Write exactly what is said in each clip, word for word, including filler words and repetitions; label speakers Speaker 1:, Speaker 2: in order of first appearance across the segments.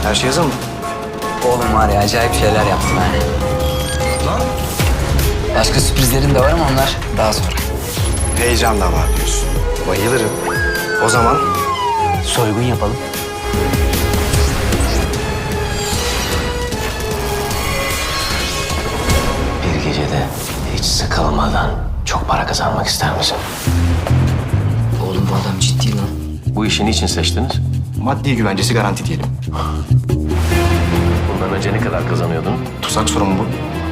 Speaker 1: Her şey hazır mı?
Speaker 2: Oğlum var ya acayip şeyler yaptım ha.
Speaker 1: Lan.
Speaker 2: Başka sürprizlerin de var ama onlar daha sonra.
Speaker 1: Heyecan da var diyorsun. Bayılırım. O zaman
Speaker 2: Soygun yapalım.
Speaker 3: Bir gecede hiç sıkılmadan çok para kazanmak ister misin?
Speaker 2: Oğlum bu adam ciddi lan.
Speaker 3: Bu işi niçin seçtiniz?
Speaker 1: maddi güvencesi garanti diyelim.
Speaker 3: Bundan önce ne kadar kazanıyordun?
Speaker 1: Tuzak soru mu bu?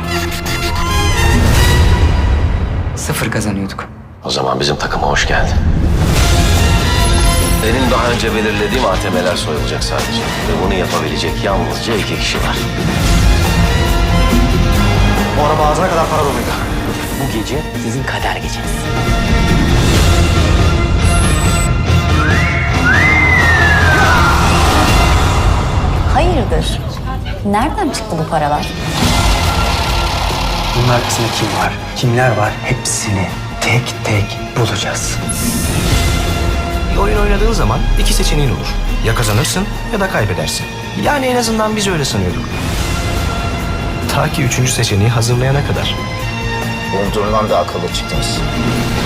Speaker 2: Sıfır kazanıyorduk.
Speaker 3: O zaman bizim takıma hoş geldin. Benim daha önce belirlediğim A T M'ler soyulacak sadece. Ve bunu yapabilecek yalnızca iki kişi var.
Speaker 1: Bu araba ağzına kadar para doluydu.
Speaker 2: Bu gece sizin kader geceniz.
Speaker 4: Hayırdır? Nereden çıktı bu paralar?
Speaker 5: Bunun arkasında kim var, kimler var hepsini tek tek bulacağız.
Speaker 1: Bir oyun oynadığın zaman iki seçeneğin olur. Ya kazanırsın ya da kaybedersin. Yani en azından biz öyle sanıyorduk. Ta ki üçüncü seçeneği hazırlayana kadar.
Speaker 3: Umduğumdan da akıllı çıktınız.